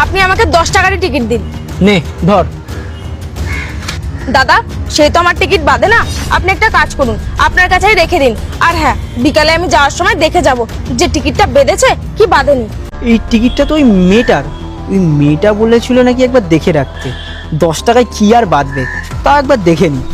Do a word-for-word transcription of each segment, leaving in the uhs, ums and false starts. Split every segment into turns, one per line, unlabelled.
আপনি আমাকে দশ টাকারই টিকিট দিন।
নে ধর।
দাদা সেই তো আমার টিকিট বাদে না, আপনি একটা কাজ করুন, আপনার কাছেই রেখে দিন। আর হ্যাঁ, বিকালে আমি যাওয়ার সময় দেখে যাব যে টিকিটটা বেঁধেছে কি বাঁধেনি।
এই টিকিটটা তো ওই মেয়েটার, ওই মেয়েটা বলেছিল নাকি একবার দেখে রাখতে। দশ টাকায় কি আর বাঁধবে, তা একবার দেখে নি।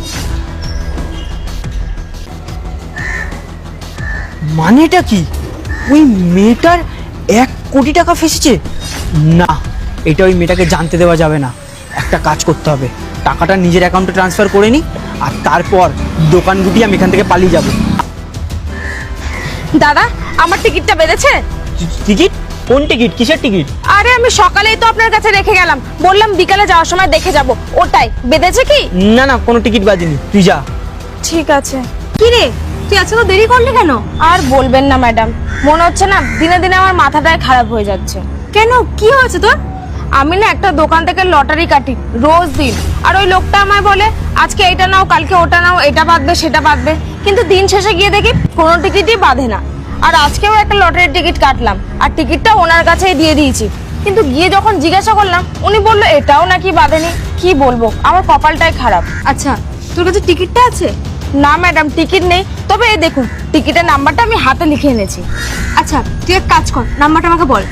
মানেটা কি? ওই মেয়েটার এক কোটি টাকা ফেসেছে? না, এটা ওই মেয়েটাকে জানতে দেওয়া যাবে না। একটা কাজ করতে হবে, টাকাটা নিজের অ্যাকাউন্টে ট্রান্সফার করে নিই, আর তারপর দোকান গুটিয়ে আমি এখান থেকে পালিয়ে যাব।
দাদা আমার টিকিটটা বেঁধেছে?
টিকিট? কোন টিকিট? কিসের টিকিট?
আরে আমি সকালেই তো আপনার কাছে রেখে গেলাম, বললাম বিকালে যাওয়ার সময় দেখে যাব, ওটাই বেঁধেছে কি?
না না, কোনো টিকিট বাজিনি, তুই যা।
ঠিক আছে। কি রে তুই আজকে তো দেরি করলি কেন? আর বলবেন না ম্যাডাম, মনে হচ্ছে না দিনে দিনে আমার মাথাটাই খারাপ হয়ে যাচ্ছে। কেন, কি হয়েছে তোর? আমি না একটা দোকান থেকে লটারি কাটি রোজ দিন, আর ওই লোকটা আমায় বলে আজকে এটা নাও কালকে ওটা নাও, এটা বাঁধবে সেটা বাঁধবে, কিন্তু দিন শেষে গিয়ে দেখি কোনো টিকিটই বাঁধে না। আর আজকেও একটা লটারির টিকিট কাটলাম, আর টিকিটটা ওনার কাছেই দিয়ে দিয়েছি, কিন্তু গিয়ে যখন জিজ্ঞাসা করলাম উনি বললো এটাও নাকি বাঁধেনি। কি বলবো, আমার কপালটাই খারাপ। আচ্ছা তোর কাছে টিকিটটা আছে? না ম্যাডাম, টিকিট নেই, তবে এই দেখুন টিকিটের নাম্বারটা আমি হাতে লিখে এনেছি। আচ্ছা তুই এক কাজ কর, নাম্বারটা আমাকে বল।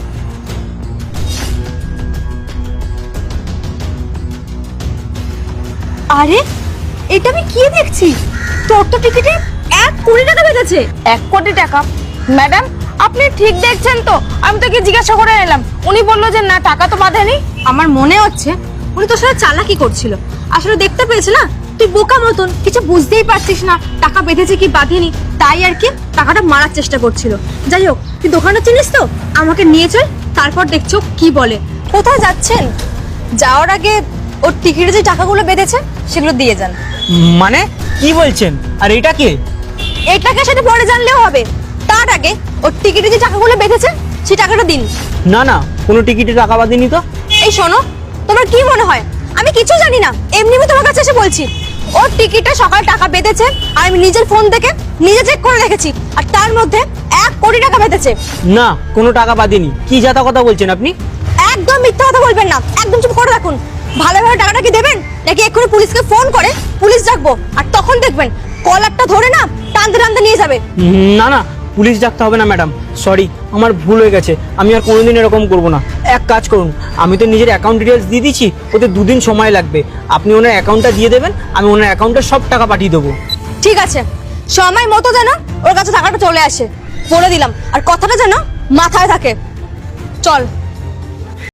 আরে এটা আমি কি দেখছি, তোর তো টিকিটে এক কোটি টাকা বেঁধেছে। এক কোটি টাকা? ম্যাডাম আপনি ঠিক দেখছেন তো? আমি তোকে জিজ্ঞাসা করে এলাম, উনি বললো যে না টাকা তো বাঁধেনি। আমার মনে হচ্ছে উনি তোর সাথে চালাকি করছিল, আসলে দেখতে পেয়েছে না তুই বোকা মতন কিছু বুঝতেই পারছিস না টাকা বেঁধেছে কি বাঁধেনি, তাই আর কি টাকাটা মারার চেষ্টা করছিল। যাই হোক তুই দোকানটা চিনিস তো, আমাকে নিয়ে চল, তারপর দেখছো কি বলে। কোথায় যাচ্ছেন? যাওয়ার আগে ওর টিকিটে যে টাকাগুলো বেঁধেছে সেগুলো দিয়ে যান।
মানে কি বলছেন? আর এটা কে?
এটাকে সেটা পরে জানলেও হবে, তার আগে ওর টিকিটে যে টাকাগুলো বেঁধেছে সেই টাকাটা দিন।
না না, কোনো টিকিটে টাকা বাঁধেনি তো।
এই শোনো, তোমার কি মনে হয় আমি কিছু জানি না? এমনি আমি তোমার কাছে এসে বলছি ওর টিকিটে সকালে টাকা বেঁধেছে, আর আমি নিজের ফোন থেকে নিজে চেক করে রেখেছি, আর তার মধ্যে এক কোটি টাকা বেঁধেছে।
না, কোনো টাকা বাঁধেনি। কি জাতা কথা বলছেন আপনি?
একদম মিথ্যা কথা বলবেন না, একদম চুপ করে রাখুন। ভালোভাবে টাকাটা কি দেবেন, নাকি এক্ষুনি পুলিশকে ফোন করে পুলিশ ডাকবো, আর তখন দেখবেন কলারটা ধরে না টানতে টানতে নিয়ে যাবে।
না না, পুলিশ ডাকতে হবে না ম্যাডাম, সরি, আমার ভুল হয়ে গেছে, আমি আর কোনোদিন এরকম করব না। এক কাজ করুন, আমি তো নিজের অ্যাকাউন্ট ডিটেলস দিয়ে দিচ্ছি, ওতে দুদিন সময় লাগবে, আপনি ওনার অ্যাকাউন্টটা দিয়ে দেবেন, আমি ওনার অ্যাকাউন্টে সব টাকা পাঠিয়ে দেবো।
ঠিক আছে, সময় মতো যেন ওর কাছে টাকাটা চলে আসে বলে দিলাম, আর কথাটা যেন মাথায় থাকে। চল।